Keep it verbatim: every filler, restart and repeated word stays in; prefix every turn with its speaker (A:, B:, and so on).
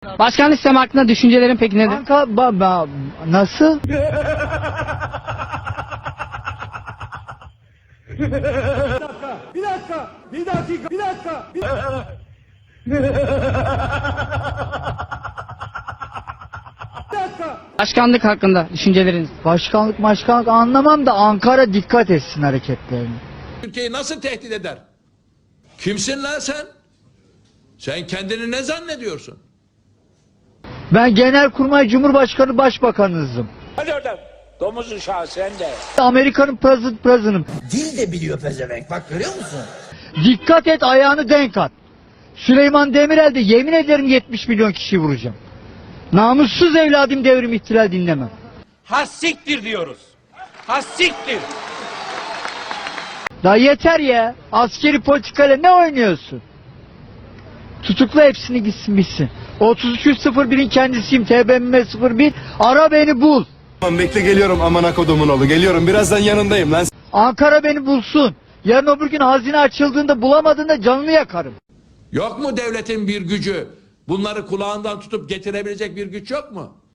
A: Başkanlık sistemi hakkında düşüncelerin peki nedir?
B: Anka baba nasıl?
C: Bir dakika, bir dakika, bir dakika, bir dakika. Bir dakika.
A: Başkanlık hakkında düşünceleriniz.
B: Başkanlık başkanlık anlamam da Ankara dikkat etsin hareketlerine.
D: Türkiye'yi nasıl tehdit eder? Kimsin lan sen? Sen kendini ne zannediyorsun?
B: Ben Genelkurmay Cumhurbaşkanı Başbakanınızım.
E: Hadi oradan. Domuz uşağı sen de.
B: Amerika'nın president president'ım.
F: Dil de biliyor pezevenk, bak görüyor musun?
B: Dikkat et, ayağını denk at. Süleyman Demirel de yemin ederim yetmiş milyon kişi vuracağım. Namussuz evladım, devrim ihtilal dinlemem.
E: Hassiktir diyoruz. Hassiktir.
B: Daha yeter ya. Askeri politikayla ne oynuyorsun? Tutukla hepsini, gitsin bitsin. otuz üç yüz sıfır birin kendisiyim. T B M M sıfır bir. Ara beni bul.
G: Tamam bekle, geliyorum amına kodumun oğlu, geliyorum, birazdan yanındayım lan.
B: Ankara beni bulsun. Yarın öbür gün hazine açıldığında bulamadığında canını yakarım.
D: Yok mu devletin bir gücü? Bunları kulağından tutup getirebilecek bir güç yok mu?